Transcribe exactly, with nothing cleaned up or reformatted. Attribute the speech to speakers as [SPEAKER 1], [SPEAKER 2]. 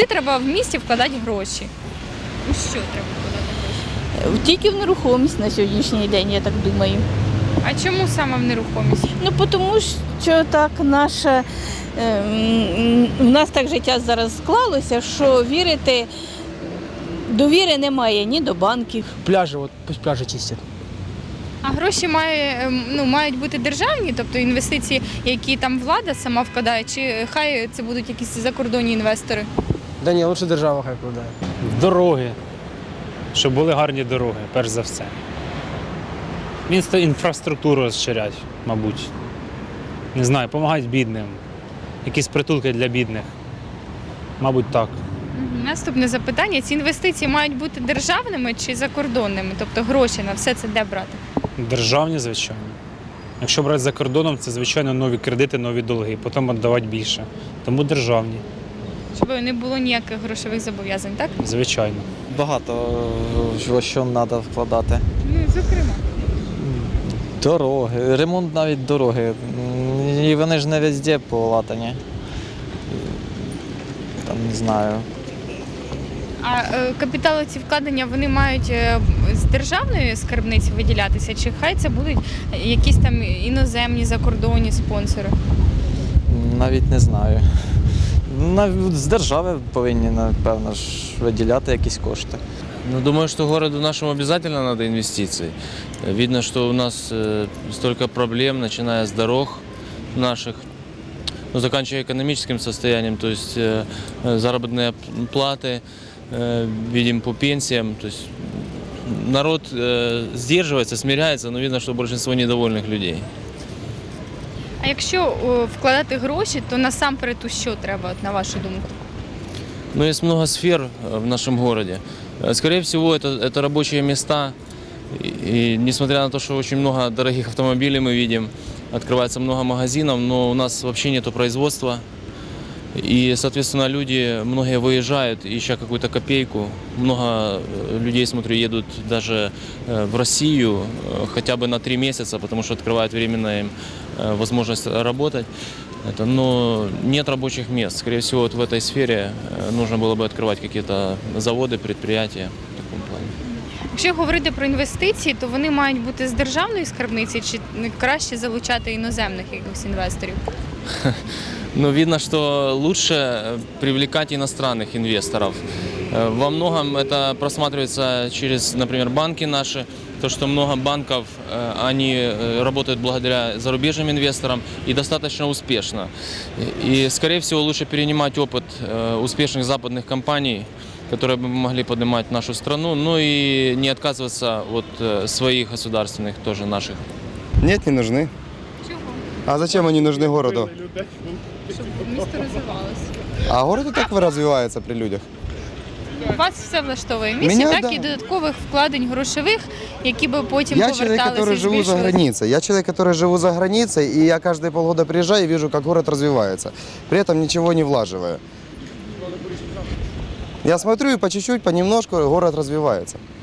[SPEAKER 1] Куди треба в місті вкладати гроші? У що треба вкладати гроші?
[SPEAKER 2] Тільки в нерухомість на сьогоднішній день, я так думаю.
[SPEAKER 1] А чому саме в нерухомість?
[SPEAKER 2] Ну, тому що так наше, ем, в нас так життя зараз склалося, що вірити, довіри немає ні до банків.
[SPEAKER 3] Пляжи, вот пусть пляжи чистят.
[SPEAKER 1] А гроші має, ем, ну, мають бути державні, тобто інвестиції, які там влада сама вкладає, чи хай це будуть якісь закордонні інвестори?
[SPEAKER 3] Да ні, лучше держава хай вкладає.
[SPEAKER 4] Дороги, щоб були гарні дороги, перш за все. Місто інфраструктуру розширять, мабуть. Не знаю, допомагають бідним. Якісь притулки для бідних. Мабуть, так.
[SPEAKER 1] Мгм. Наступне запитання. Ці інвестиції мають бути державними чи закордонними? Тобто гроші на все це де брати?
[SPEAKER 4] Державні, звичайно. Якщо брати за кордоном, це, звичайно, нові кредити, нові долги, потім віддавати більше. Тому державні,
[SPEAKER 1] Щоб не було ніяких грошових зобов'язань, так?
[SPEAKER 4] звичайно.
[SPEAKER 5] Багато в що треба вкладати.
[SPEAKER 1] Ну, зокрема.
[SPEAKER 5] Дороги, ремонт навіть дороги. І вони ж не везде полатані. Там не знаю.
[SPEAKER 1] А е, капітали ці вкладення, вони мають е, з державної скарбниці виділятися, чи хай це будуть якісь там іноземні, закордонні спонсори?
[SPEAKER 5] Навіть не знаю. Навіть з держави повинні, напевно, ж виділяти якісь кошти.
[SPEAKER 6] Ну, думаю, что городу нашему обязательно надо инвестиций. Видно, что у нас э, столько проблем, начиная с дорог наших, ну, заканчивая экономическим состоянием, то есть э, заработные платы, э, видим по пенсиям. То есть народ э, сдерживается, смиряется, но видно, что большинство недовольных людей.
[SPEAKER 1] А якщо о, вкладати гроші, то насамперед у що треба, от, на вашу думку?
[SPEAKER 6] Но есть много сфер э, в нашем городе. Э, Скорее всего, это, это рабочие места. И, и несмотря на то, что очень много дорогих автомобилей мы видим, открывается много магазинов, но у нас вообще нету производства. И, соответственно, люди, многие выезжают, ища какую-то копейку. Много э, людей, смотрю, едут даже э, в Россию э, хотя бы на три месяца, потому что открывают временно им э, возможность работать. Это, но нет рабочих мест. Скорее всего, вот в этой сфере э, нужно было бы открывать какие-то заводы, предприятия в таком плане.
[SPEAKER 1] Якщо говорити про інвестиції, то вони мають бути з державної скарбниці, чи краще залучати іноземних якихось інвесторів?
[SPEAKER 6] Но видно, что лучше э, привлекать иностранных инвесторов. Э, Во многом это просматривается через, например, банки наши. То, что много банков, э, они э, работают благодаря зарубежным инвесторам и достаточно успешно. И, скорее всего, лучше перенимать опыт э, успешных западных компаний, которые бы могли поднимать нашу страну, ну и не отказываться от э, своих государственных, тоже наших.
[SPEAKER 7] Нет, не нужны.
[SPEAKER 1] Чого?
[SPEAKER 7] А зачем они нужны городу?
[SPEAKER 1] Щоб місто розвивалося.
[SPEAKER 7] А город и так развивается при людях.
[SPEAKER 1] Вас все влаштовує місті,
[SPEAKER 7] Мене,
[SPEAKER 1] так,
[SPEAKER 7] да.
[SPEAKER 1] і додаткових вкладень грошових, які би потім
[SPEAKER 7] Я человек,
[SPEAKER 1] поверталися
[SPEAKER 7] который
[SPEAKER 1] і
[SPEAKER 7] живу за
[SPEAKER 1] збільшувалися.
[SPEAKER 7] границей. Я человек, который живу за границей, и я каждые полгода приезжаю и вижу, как город развивается. При этом ничего не влаживая. Я смотрю и по чуть-чуть, понемножку город развивается.